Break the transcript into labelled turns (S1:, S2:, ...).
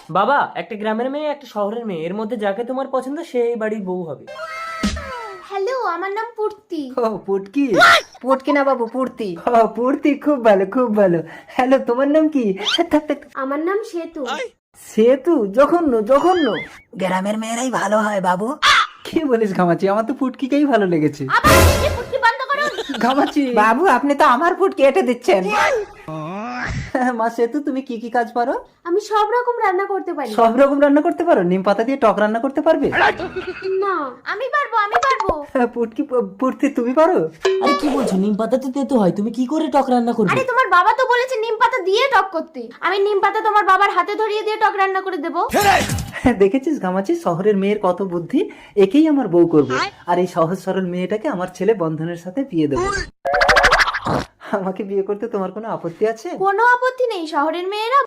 S1: বাবা, একটা গ্রামের মেয়ে একটা শহরের মেয়ে, এর মধ্যে যাকে তোমার পছন্দ সেই বাড়ির বউ হবে।
S2: হ্যালো, আমার নাম পূর্তি।
S3: ও পুটকি।
S4: পুটকি না বাবু, পূর্তি।
S3: ও পুটকি, খুব ভালো খুব ভালো। হ্যালো, তোমার নাম কি? থাক, থাক, থাক।
S2: আমার নাম সেতু।
S3: সেতু? জঘন্য জঘন্য।
S4: গ্রামের মেয়েরাই ভালো হয় বাবু।
S3: কি বলিস ঘামাচি, আমার তো পুটকিকেই ভালো লেগেছে।
S2: আবার এই পুটকি বন্ধ করুন।
S3: ঘামাচি।
S4: বাবু আপনি তো আমার পুটকি এঁটে দিচ্ছেন।
S3: মা সেতু, তুমি কি কি কাজ পারো?
S2: আমি সব রকম রান্না করতে পারি।
S3: সব রকম রান্না করতে পারো? নিম পাতা দিয়ে টক রান্না করতে পারবে?
S2: না, আমি পারবো, আমি পারবো।
S3: পুটকি, পুটকি তুমি পারো?
S1: আরে কি বলছো, নিম পাতা তো তেতো হয়, তুমি কি করে টক রান্না করবে?
S2: আরে তোমার বাবা তো বলেছে নিম পাতা দিয়ে টক করতে। আমি নিম পাতা তোমার বাবার হাতে ধরিয়ে দিয়ে টক রান্না করে দেবো।
S3: দেখেছিস ঘামাচি, শহরের মেয়ের কত বুদ্ধি। একেই আমার বউ করবো, আর এই সহজ সরল মেয়েটাকে আমার ছেলে বন্ধনের সাথে বিয়ে দেবো। আমাকে বিয়ে করতে তোমার কোনো আপত্তি আছে?
S2: কোনো আপত্তি নেই, শহরের মেয়েরা